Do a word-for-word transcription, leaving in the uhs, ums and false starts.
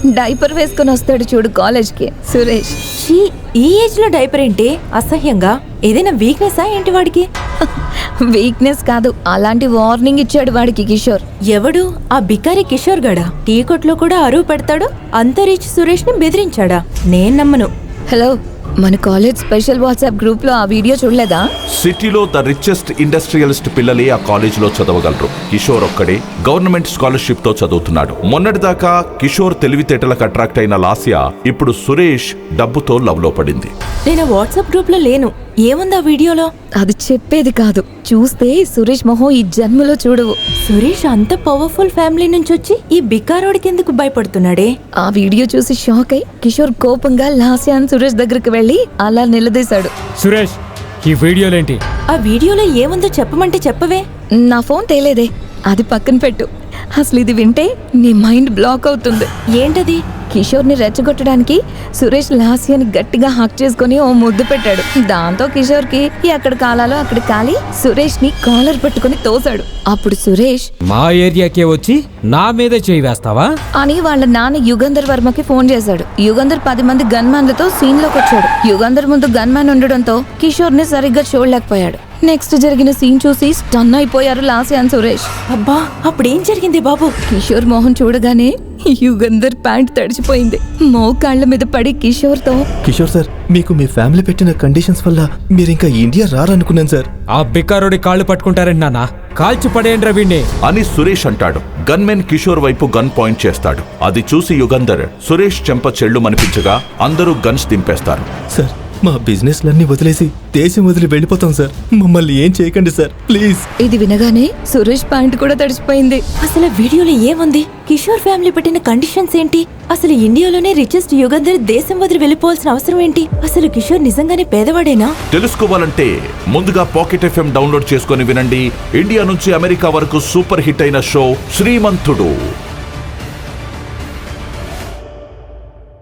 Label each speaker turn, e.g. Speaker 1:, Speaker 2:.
Speaker 1: Diaper వేసుకొని వస్తాడు చూడు కాలేజ్కి, సురేష్.
Speaker 2: ఛీ, ఈ ఏజ్ లో డైపర్ ఏంటి అసహ్యంగా? ఏదైనా వీక్నెస్ ఏంటి వాడికి?
Speaker 1: వీక్నెస్ కాదు, అలాంటి వార్నింగ్ ఇచ్చాడు వాడికి కిషోర్.
Speaker 2: ఎవడు? ఆ బికారి కిషోర్ గడా? టీ కొట్లో కూడా అరువు పెడతాడు, అంతరిచ్ సురేష్ ని బెదిరించాడా? నేను నమ్మను.
Speaker 1: హలో, మన కాలేజ్ స్పెషల్ వాట్సాప్ గ్రూప్ లో ఆ వీడియో చూడలేదా?
Speaker 3: సిటీలో ద రిచెస్ట్ ఇండస్ట్రియలిస్ట్ పిల్లలే ఆ కాలేజీలో చదవగలరు. కిషోర్ ఒక్కడే గవర్నమెంట్ స్కాలర్షిప్ తో చదువుతున్నాడు. మొన్నటిదాకా కిషోర్ తెలివితేటలకు అట్రాక్ట్ అయిన లాస్యా ఇప్పుడు సురేష్ డబ్బుతో లవ్ లో పడింది.
Speaker 2: నేను వాట్సాప్ గ్రూప్ లో లేను. ఏముంది ఆ వీడియోలో?
Speaker 1: అది చెప్పేది కాదు, చూస్తే సురేష్ మొహం ఈ జన్మలో చూడవు.
Speaker 2: సురేష్ అంత పవర్ఫుల్ ఫ్యామిలీ నుంచి వచ్చి ఈ బికారోడికి ఎందుకు భయపడుతున్నాడే?
Speaker 1: ఆ వీడియో చూసి షాక్ అయి కిషోర్ కోపంగా లాస్యాన్ సురేష్ దగ్గరికి వెళ్లి అలా నిలదీశాడు.
Speaker 4: సురేష్, ఈ వీడియోలేంటి?
Speaker 2: ఆ వీడియోలో ఏముందో చెప్పమంటే చెప్పవే.
Speaker 1: నా ఫోన్ తేలేదే, అది పక్కన పెట్టు. అసలు ఇది వింటే నీ మైండ్ బ్లాక్ అవుతుంది.
Speaker 2: ఏంటది?
Speaker 1: కిషోర్ ని రెచ్చగొట్టడానికి సురేష్ లాస్యాని గట్టిగా హక్ చేసుకుని ఓ ముద్దు పెట్టాడు. దాంతో కిషోర్ కి ఎక్కడ కాలాలో అక్కడ కాలి సురేష్ ని కాలర్ పట్టుకుని తోసాడు. అప్పుడు సురేష్,
Speaker 4: మా ఏరియాకే వచ్చి నా మీదే చేయి వేస్తావా
Speaker 1: అని వాళ్ళ నాన్న యుగంధర్ వర్మకి ఫోన్ చేశాడు. యుగంధర్ పది మంది గన్మ్యాన్లతో సీన్ లోకి వచ్చాడు. యుగంధర్ ముందు గన్మ్యాన్ ఉండడంతో కిషోర్ ని సరిగ్గా చూడలేకపోయాడు. నెక్స్ట్ జరిగిన సీన్ చూసి స్టన్ అయిపోయారు లాస్యాన్ సురేష్.
Speaker 2: అబ్బా, అప్పుడేం జరిగింది బాబు?
Speaker 1: కిషోర్ మోహన్ చూడగానే యుగంధర్ ప్యాంట్ తడిచిపోయింది. మోకాళ్ల మీద పడి కిషోర్ తో,
Speaker 5: కిషోర్ సార్, మీకు మీ ఫ్యామిలీ పెట్టిన కండిషన్స్ వల్ల మీరు ఇంకా ఇండియా రారనుకున్నాను సార్.
Speaker 4: ఆ బికారోడి కాళ్ళు పట్టుకుంటారండి నాన్న, కాల్చి పడేయండి వీణ్ణి
Speaker 3: అని సురేష్ అంటాడు. గన్మెన్ కిషోర్ వైపు గన్ పాయింట్ చేస్తాడు. అది చూసి యుగంధర్ సురేష్ చెంప చెళ్ళు మనిపించగా అందరూ గన్స్ దింపేస్తారు.
Speaker 5: సార్, మా బిజినెస్ లన్నీ వదిలేసి దేశం వదిలి వెళ్ళిపోతాం సార్. మమ్మల్ని ఏం చేయకండి సార్, ప్లీజ్.
Speaker 1: ఇది వినగానే సురేష్ ప్యాంట్ కూడా తడిచిపోయింది.
Speaker 2: అసలు వీడియోలో ఏముంది? కిషోర్ ఫ్యామిలీ పెట్టిన కండిషన్స్ ఏంటి? అసలు ఇండియాలోనే రిచెస్ట్ యుగంధర్ దేశం వదిలి వెళ్ళిపోవాల్సిన అవసరం ఏంటి? అసలు కిషోర్ నిజంగానే పేదవాడేనా?
Speaker 3: తెలుసుకోవాలంటే ముందుగా పాకెట్ ఎఫ్ఎం డౌన్లోడ్ చేసుకొని వినండి. ఇండియా నుంచి అమెరికా వరకు సూపర్ హిట్ అయిన షో శ్రీమంతుడు.